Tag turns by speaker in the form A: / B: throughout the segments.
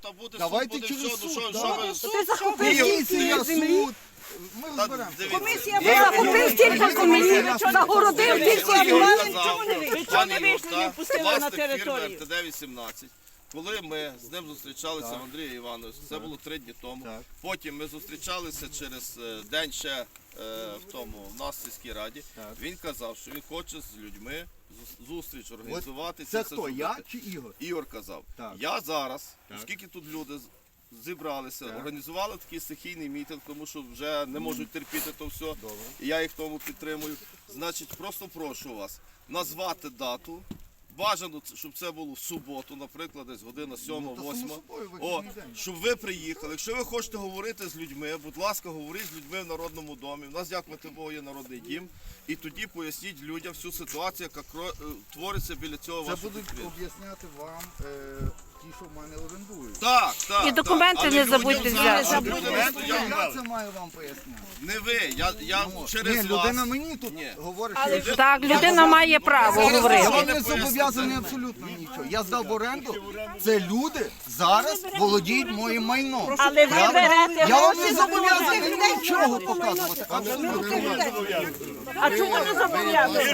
A: та буде суд,
B: Давайте
A: буде
B: через
A: все,
B: суд.
C: Ти захопив стільки землі.
B: Ми розберемо.
C: Комісія захопив стільки землі, загородив стільки землі.
D: Ви чого не вийшли, не впустили на
A: Власник фірми
D: територію?
A: РТД-18. Коли ми з ним зустрічалися в Андрія Івановича, це було 3 дні тому. Потім ми зустрічалися через день ще в нас в сільській раді. Він казав, що він хоче з людьми зустріч організувати.
B: Це хто, я чи Ігор?
A: Ігор казав. Я зараз, оскільки тут люди зібралися, організували такий стихійний мітинг, тому що вже не можуть терпіти то все, і я їх в тому підтримую. Значить, просто прошу вас назвати дату. Бажано, щоб це було в суботу, наприклад, десь година 7-8. Щоб ви приїхали. Якщо ви хочете говорити з людьми, будь ласка, говоріть з людьми в Народному домі. У нас, дякувати Богу, є Народний дім. І тоді поясніть людям всю ситуацію, яка твориться біля цього вашого підприємства.
B: Це будуть об'ясняти вам ті, що в мене орендують.
A: Так.
C: І документи не забудьте взяти.
B: Я це маю вам поясняти.
A: Не ви, я через вас.
B: Ні, людина мені тут говорить, що
C: Так, людина має право говорити.
B: я не зобов'язаний абсолютно нічого. Я здав в оренду. Це люди зараз володіють моїм майном.
D: Але ви берете
B: Я вам не
D: гроші.
B: зобов'язаний нічого показувати. Абсолютно.
D: А чому не зобов'язані?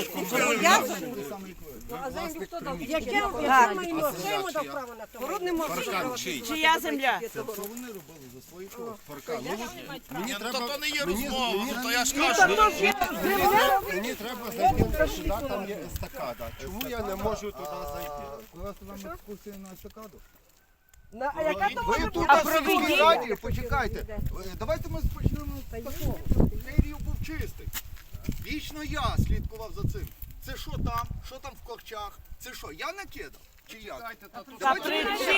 D: Чия земля?
A: Ні, то не є розмова, то я ж кажу.
E: Мені треба зайти сюди, там є естакада. Чому я не можу туди зайти?
B: У вас тут екскурсія на естакаду?
C: А
B: Ви тут в сільській раді, почекайте. Давайте ми почнемо з такого. Цей рів був чистий. Вічно я слідкував за цим. Це що там в корчах? Це що, я накидав? Чи як? Давайте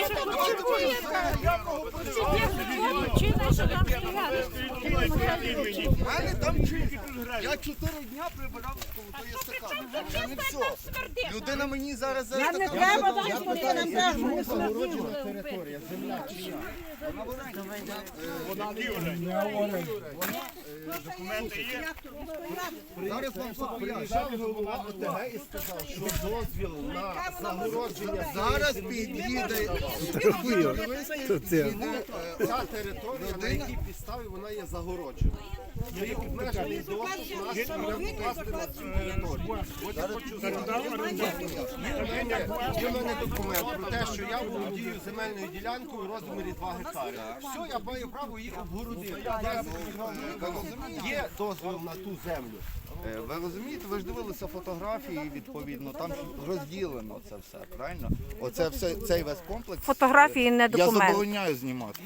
B: в мене там чисто. Я 4 дня прибирав коло тої естакади. Це не все. Людина мені зараз за естакаду.
E: Загороджена територія, земля чия?
B: Зараз вам все поясню.
E: Приїжджав голова ОТГ і сказав, що дозвіл на загородження
B: Зараз під'їде
E: ця територія, на якій підставі вона є загороджена. Є обмежений доступ нашої території. От я хочу є в мене документ про те, що я володію земельною ділянкою у розмірі 2 гектари. Все, я маю право її обгородити. Є дозвіл на ту землю.
B: Ви розумієте, ви ж дивилися фотографії, відповідно, там розділено це все, правильно? Оце все, цей весь комплекс.
C: Фотографії не
B: Я
C: документ.
B: забороняю знімати.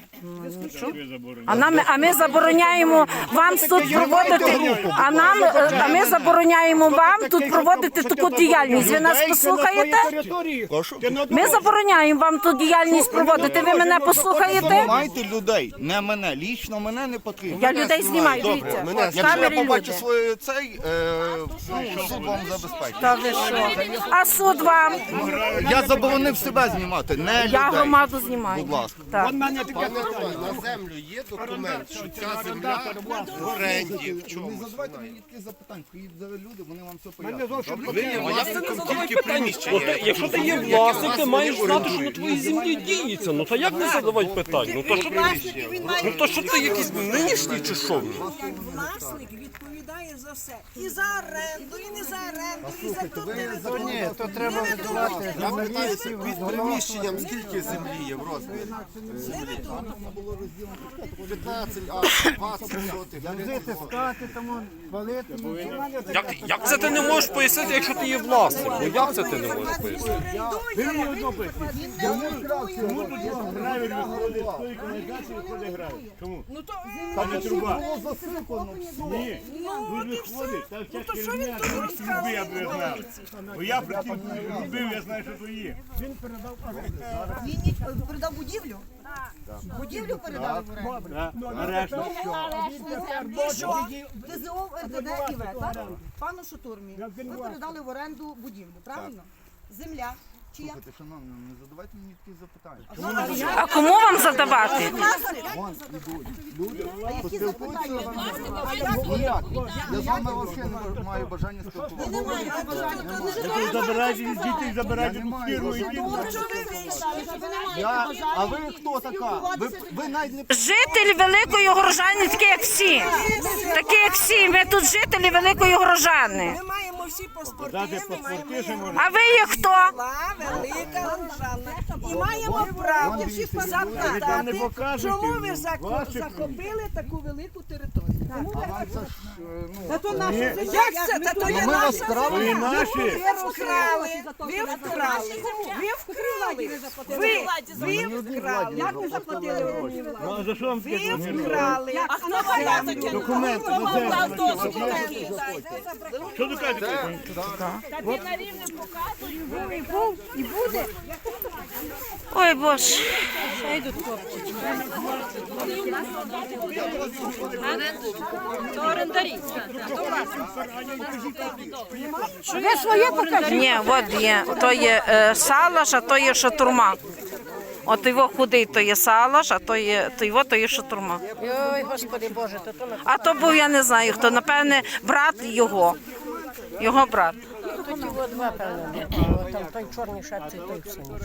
C: А ми забороняємо вам тут проводити. А ми забороняємо вам тут проводити таку діяльність. Ви нас послухаєте? Ми забороняємо вам тут діяльність проводити. Ви мене послухаєте?
B: Знімайте людей, не мене, лічно мене не потрібно.
C: Я людей знімаю, дивіться.
B: Якщо я
C: Камери
B: побачу
C: люди.
B: свою суд вам забезпечить.
C: Та ви що? А суд вам?
B: Я заборонив себе знімати, не людей.
C: Я громаду знімаю.
B: Будь ласка.
C: Так.
E: Пане Романе, на землю є документ, що ця земля в оренді, в
B: Не
E: чомусь.
B: задавайте мені таких запитань, приїдуть зараз люди, вони вам все пояснять.
F: Якщо ти є власник, ти маєш знати, що на твоїй землі діється. Ну то як не задавати питань? Ну то що ти якийсь нинішній чи що?
G: Власник відповідає за все. І за оренду, і не за оренду, і за ту територію.
E: Ні, то треба відбувати. Я питаюся під приміщенням, скільки землі є в розмірі? 15, а 20 сотих.
F: Як це ти не можеш пояснити, якщо ти є власник? Ну як це ти не можеш пояснити?
G: Ну то
B: Там труба. Було засипано.
G: ні. Ну то що він тут розказує?
H: Бо я при тим робив, я знаю, що то є.
G: Він передав будівлю? Будівлю передали в оренду?
H: Нарешті.
G: І що? ДЗО РТД ІВ, так? Пану Шутурмі, ви передали в оренду будівлю, правильно? Земля. Чи як?
B: Слухайте, шановні, не задавайте мені такі запитання.
C: А кому вам задавати?
B: Вон ідуть люди, поспілкуються з вами. Ніяк. Я з вами взагалі не маю бажання спілкуватися.
H: Забирайте від дітей, забирайте тут фірму і
B: А ви хто така? Ви навіть не
C: Житель Великої Горожани, такі як всі. Такі як всі. Ми тут жителі Великої Горожани.
G: Ми маємо всі паспорти,
H: дати
G: ми
H: паспорти,
G: маємо
H: що можна.
C: А ви є хто?
G: села, Велика Горожана. І маємо право запитати,
H: покажете,
G: чому ви
H: ваших
G: захопили таку велику територію.
B: Та то
G: Як це? Та то є
B: ми вас
G: наша
B: вкрали.
H: Ви наші.
G: Ви вкрали, ви вкрали, ви вкрали. Як ви заплатили гроші?
H: Ну, а за що вам таке
G: Ви
H: зробили?
G: вкрали.
D: А хто вам таке?
H: Документи,
D: Хто вам дав
H: документи.
D: документи?
H: Що ви кажете?
D: Тобі на рівне показують.
C: Ой, Боже.
D: Ви своє покажіть.
C: Ні, от є. То є салаш, а то є шатурма. От його худий, то є салаш, а то є шатурма.
D: Ой, Господи Боже, то то
C: А то був, я не знаю хто, напевне, брат його. Його брат.
D: тут його два, певно. Там той чорний шапці, той в синій.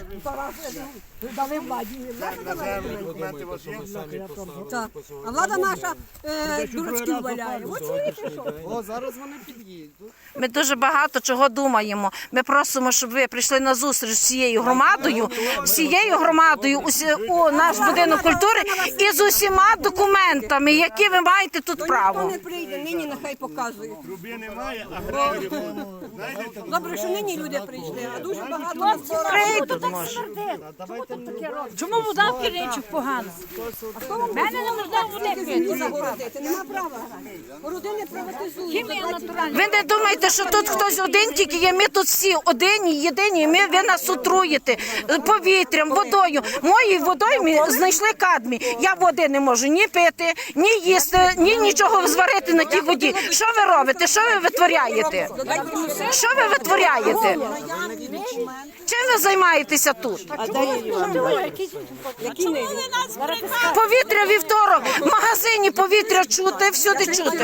G: Так. А влада наша дурачків валяє. От чоловік пішов.
C: Ми дуже багато чого думаємо. Ми просимо, щоб ви прийшли на зустріч з всією громадою у наш будинок культури і з усіма документами, які ви маєте тут право.
G: Хто не прийде, нині нехай показує.
H: Труби немає, а гравію. Знаєте,
G: Добре, що нині люди прийшли, а дуже багато нас
C: Прийдуть, може.
D: Чому вода в Киричах погано? Мене не можна води пити.
G: загородити. Нема права. Родини приватизують.
C: Ви не думайте, що тут хтось один тільки є. Ми тут всі одині, єдині. Ви нас отруєте повітрям, водою. Моєю водою ми знайшли кадмій. Я води не можу ні пити, ні їсти, ні нічого зварити на тій воді. Що ви робите? Що ви витворяєте? Що ви витворяєте? Чим ви займаєтеся тут? Повітря вівторок, в магазині повітря чути, всюди чути.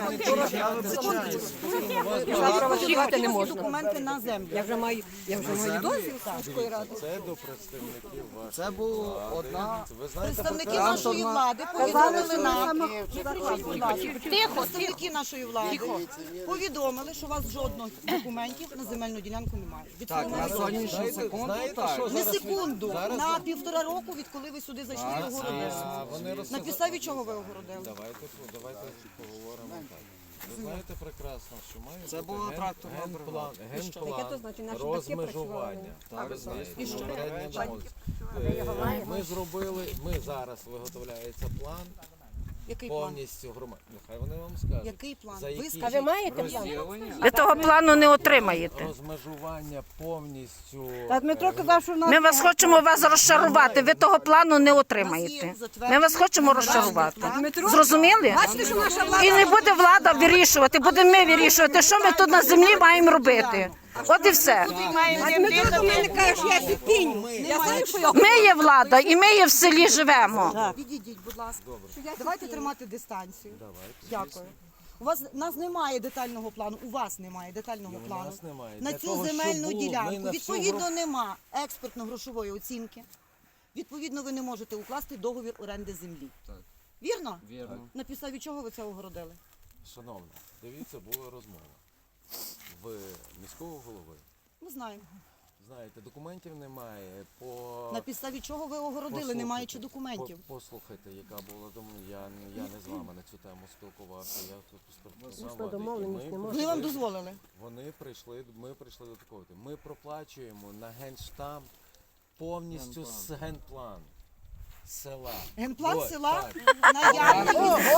G: Чекати не можна. Документи на землю. Я вже маю дозвіл міської ради.
B: Це була одна.
I: Представники нашої влади повідомили нам, представники нашої влади повідомили, що у вас жодних документів на земельну ділянку немає.
B: На сьогоднішню секунду.
I: Не секунду, на 1,5 року, відколи ви сюди зайшли і огородили. На підставі чого ви огородили?
E: Давайте поговоримо так. Ви знаєте прекрасно, що має
B: Це була
E: бути
B: тракторна
E: генплан розмежування. Так, ви знаєте, попередня молодь. Ми зробили, зараз виготовляється план
I: Який план?
E: повністю громад. Нехай вони вам скажуть.
I: Який план?
E: За
I: Ви
E: які
I: скажіть.
D: Ви маєте план?
C: Ви того плану не отримаєте.
E: розмежування повністю.
G: Дмитро казав, що
C: Ми вас хочемо вас розчарувати. Ви того плану не отримаєте. Ми вас хочемо розчарувати. Зрозуміли? І не буде влада вирішувати, будемо ми вирішувати, що ми тут на землі маємо робити. От і все.
G: Дмитро до мене каже, що я підпіню. Я знаю, що я
C: Ми є влада, і ми є в селі живемо.
I: Відійдіть, будь ласка. Давайте тримати дистанцію. Дякую. Нас немає детального плану, у вас немає детального плану.
E: нас немає.
I: На
E: Для
I: цю
E: того, щоб
I: земельну
E: було, ми
I: ділянку.
E: на всю
I: Відповідно, нема експертно-грошової оцінки. Відповідно, ви не можете укласти договір оренди землі. Вірно?
E: Вірно.
I: На підставі чого ви це огородили?
E: Шановна, дивіться, була розмова в міського голови.
I: Ми знаємо.
E: Знаєте, документів немає.
I: На підставі чого ви огородили, не маючи документів?
E: Послухайте, яка була я не з вами на цю тему спілкувався. Я тут поспілкувався.
I: Вони вам дозволили?
E: Ми прийшли до такого. Ми проплачуємо на генштаб повністю з генплан. села.
I: Генплан
E: Ось,
I: села
E: так.
I: наявний.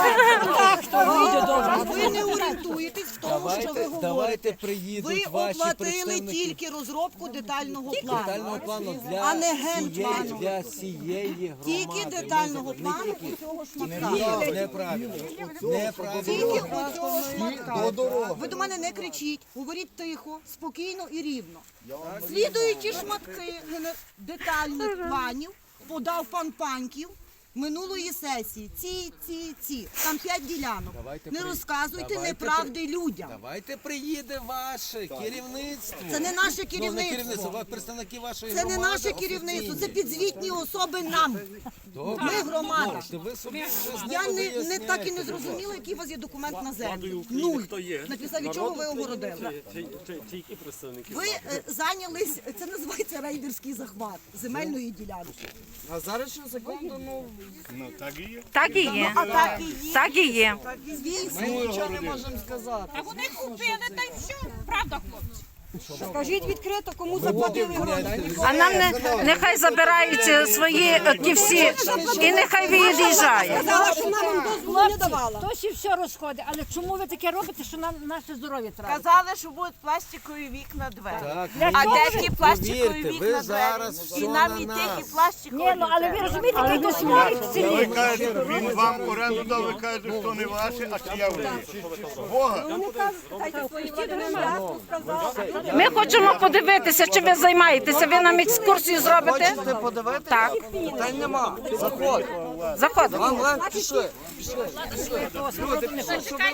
I: Ви не орієнтуєтесь в тому, що ви
E: Давайте
I: говорите.
E: приїдуть
I: Ви
E: ваші
I: оплатили
E: представники.
I: тільки розробку детального
E: Детального
I: плану.
E: плану
I: А не
E: для
I: генплану.
E: всієї громади.
I: Тільки детального плану у цього шматка.
E: Ні, неправильно.
I: Тільки
E: Неправильно.
I: у цього шматка. Ви до мене не кричіть, говоріть тихо, спокійно і рівно. Слідуючі шматки детальних планів подав пан Паньків минулої сесії. Ці. Там 5 ділянок. Не розказуйте неправди людям.
E: Давайте приїде ваше керівництво.
I: Це не наше
E: Ну, не
I: керівництво.
E: керівництво, а представники вашої
I: Це
E: громади.
I: не наше керівництво, це підзвітні особи нам.
E: Добре.
I: Ми громада.
E: Можете, ви собі вже з
I: Я
E: ними
I: не так і
E: виясняйте.
I: не зрозуміла, який у вас є документ на землю.
F: України
I: Нуль.
F: хто є?
I: На підставі чого ви огородили?
F: Чи які представники?
I: Ви зайнялись, це називається рейдерський захват земельної ділянки.
B: А зараз на секунду,
H: Ну так і є.
C: Так і є. Так і є.
I: Звісно.
B: нічого не можемо сказати.
D: А вони купили, та й все. Правда, хлопці?
I: Скажіть відкрито, кому заплатили гроші.
C: А нам нехай забирають свої ті всі і нехай від'їжджає.
I: Сказала, що нам дозволу не давала.
D: Хтось і все розходить, але чому ви таке робите, що нам наше здоров'я треба?
G: Казали, що будуть пластикові вікна двері.
E: Так,
G: А де ті пластикові
E: повірте, ви
G: вікна
E: зараз
G: двері?
E: все
G: І нам
E: на
G: і
E: нас.
G: тих, і пластикові.
D: Ні, ну але ви розумієте, який кошмар в
H: Ви
D: селі.
H: кажете, він вам оренду дав, ви кажете, що не ваше, а чия ви. Бога.
C: Ми хочемо подивитися, чи ви займаєтеся. Ви нам екскурсію зробите?
B: Хочете подивитися?
C: Так.
B: Питань нема. Заходь.
C: Заходимо.
B: Вам легше пішли.